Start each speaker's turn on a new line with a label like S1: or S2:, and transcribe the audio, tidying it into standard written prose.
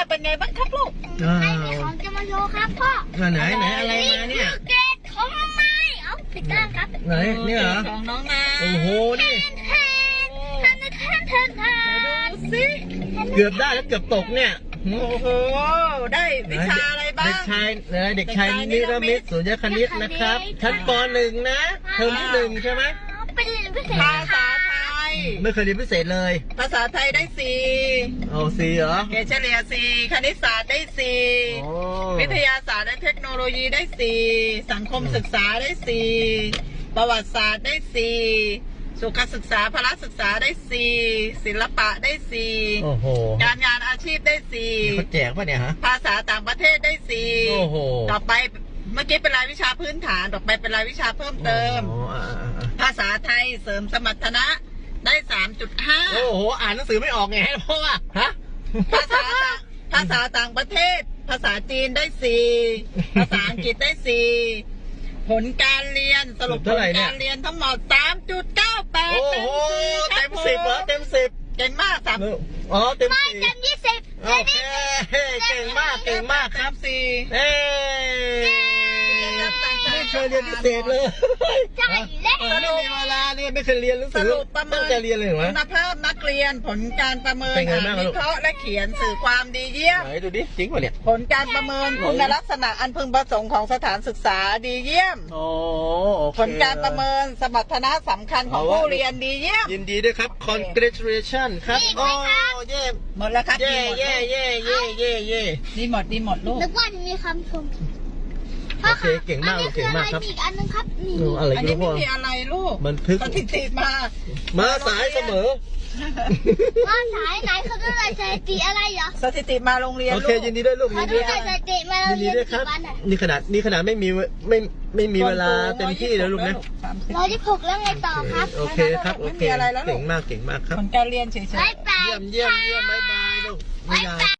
S1: น่ะเป็นไงบ้างครับลูก
S2: ไม่มีของจะมาโชว์ครับพ่อไหนอะไรมาเนี่ย
S1: เกตของน้องนายเอาผิดด้านครับ
S2: ไหนนี่เหรอ
S1: ของน้องนาย
S2: โอ้โหนี่
S1: ดูสิ
S2: เกือบได้แล้วเกือบตกเนี่ย
S1: โอ้โหได้วิชาอะไรบ้าง
S2: เด็กชายนิรมิตสุญญคณิตนะครับชั้นป .1 นะเทอมที่1ใช่ไหม
S1: เป็นพิเศษภาษาไทย
S2: ไม่เคยเรียนพิเศษเลย
S1: ภาษาไทยได้4
S2: เอา4เหรอ
S1: เกรดเฉลี่ย4คณิตศาสตร์ได้4วิทยาศาสตร์และเทคโนโลยีได้4สังคมศึกษาได้4ประวัติศาสตร์ได้4สุขศึกษาพละศึกษาได้4ศิลปะได้
S2: โอ้โห
S1: การงานอาชีพได้
S2: เขาแจกป่ะเนี่ยฮะ
S1: ภาษาต่างประเทศได้
S2: โอ้โห
S1: ต่อไปเมื่อกี้เป็นรายวิชาพื้นฐานต่อไปเป็นรายวิชาเพิ่มเติมภาษาไทยเสริมสมรรถนะได้ 3.5
S2: โอ้โหอ่านหนังสือไม่ออกไงเพราะว่าฮะ
S1: ภาษาต่างประเทศภาษาจีนได้4ภาษาอังกฤษได้4ผลการเรียนสรุปผลการเรียนทั้งหมด 3.98
S2: โอ้โหเต็ม10เหรอเต็ม10
S1: เก่งมากครับ
S2: อ๋อเต็ม
S1: 10เต็ม20โอเค
S2: เก่งมากครับ
S1: 4
S2: ไม่เคยเรียนพิเศษเลย
S1: ใช่แล้ว
S2: ไม่มีเวลาเนี่ยไม่เคยเรียนหนังสือตั้งใจเรียนเลยเหรอ
S1: คุณภาพนักเรียนผลการประเมินวิเคราะห์และเขียนสื่อความดีเยี่ยม
S2: ไหนดูดิจริงป่ะเนี่ย
S1: ผลการประเมินคุณลักษณะอันพึงประสงค์ของสถานศึกษาดีเยี่ยมผลการประเมินสมรรถนะสำคัญของผู้เรียนดีเยี่ยม
S2: ยินดีด้วยครับ congratulation ครับโอ้เย่
S1: หมดแล้วครับ
S2: เย่
S1: ดีหมดลูก
S3: นึกว่ามีคำชม
S2: โอเคเก่งมากครับ
S3: อีกอันนึงครับนี่
S1: อันนี้ไม่มีอะไรลูก
S2: บันทึก
S1: สถิติ
S2: มาสายเสมอ
S3: ว่าสายไหนเขาจะได้สถิติอะไรเหรอ
S1: สถิติมาโรงเรียน
S2: โอเคยินดีด้วยลูก
S3: ยินดีด้วยสถิติมาโรงเรียนกี่วัน
S2: นี่ขนาดไม่มีเวลาเต็มที่แล้วลูกนะ
S3: 126แล้วไงต่อครับ
S2: โอเคครับโอเคเก่งมากครับ
S1: ผลการเรียนเฉยๆ
S2: เยี่ยมบ๊ายบายลูก